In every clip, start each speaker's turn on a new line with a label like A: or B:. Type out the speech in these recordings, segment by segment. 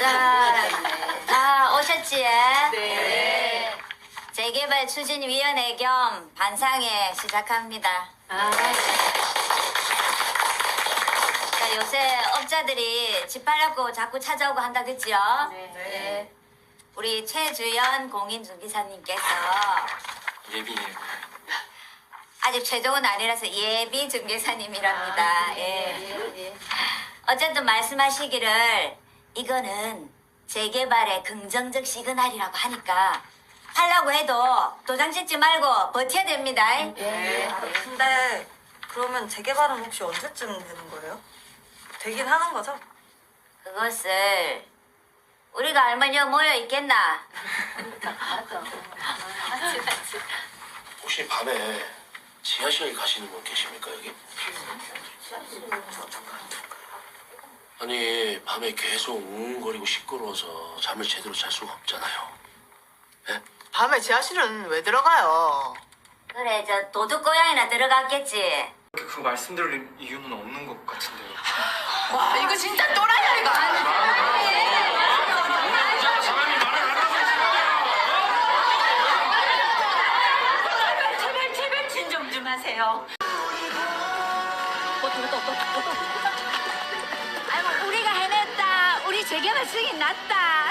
A: 다 오셨지?
B: 네.
A: 재개발 추진위원회 겸 반상회 시작합니다. 자, 요새 업자들이 집 팔려고 자꾸 찾아오고 한다 그죠?
B: 네.
A: 우리 최주연 공인중개사님께서
C: 예비예요.
A: 아직 최종은 아니라서 예비 중개사님이랍니다. 예. 어쨌든 말씀하시기를 이거는 재개발의 긍정적 시그널이라고 하니까 하려고 해도 도장 찍지 말고 버텨야 됩니다.
B: 네. 근데 그러면 재개발은 혹시 언제쯤 되는 거예요? 되긴 하는 거죠?
A: 그것을 우리가 알면 여기 모여 있겠나?
C: 혹시 밤에 지하실 가시는 분 계십니까 여기? 아니 밤에 계속 웅웅거리고 시끄러워서 잠을 제대로 잘 수가 없잖아요. 예?
D: 밤에 지하실은 왜 들어가요?
A: 그래 저 도둑고양이나 들어갔겠지.
E: 그 말씀드릴 이유는 없는 것 같은데요.
D: 와 이거 진짜 또라이야 이거.
A: 제발 진정 좀 하세요. 아이고 우리가 해냈다. 우리 재개발 승인 났다.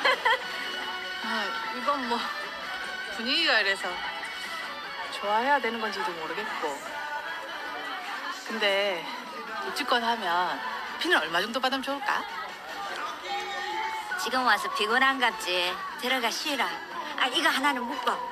D: 이건 뭐 분위기가 이래서 좋아해야 되는 건지도 모르겠고. 근데 입주권 하면 피는 얼마 정도 받으면 좋을까?
A: 지금 와서 피곤한갑지. 들어가 쉬라. 아 이거 하나는 묶어.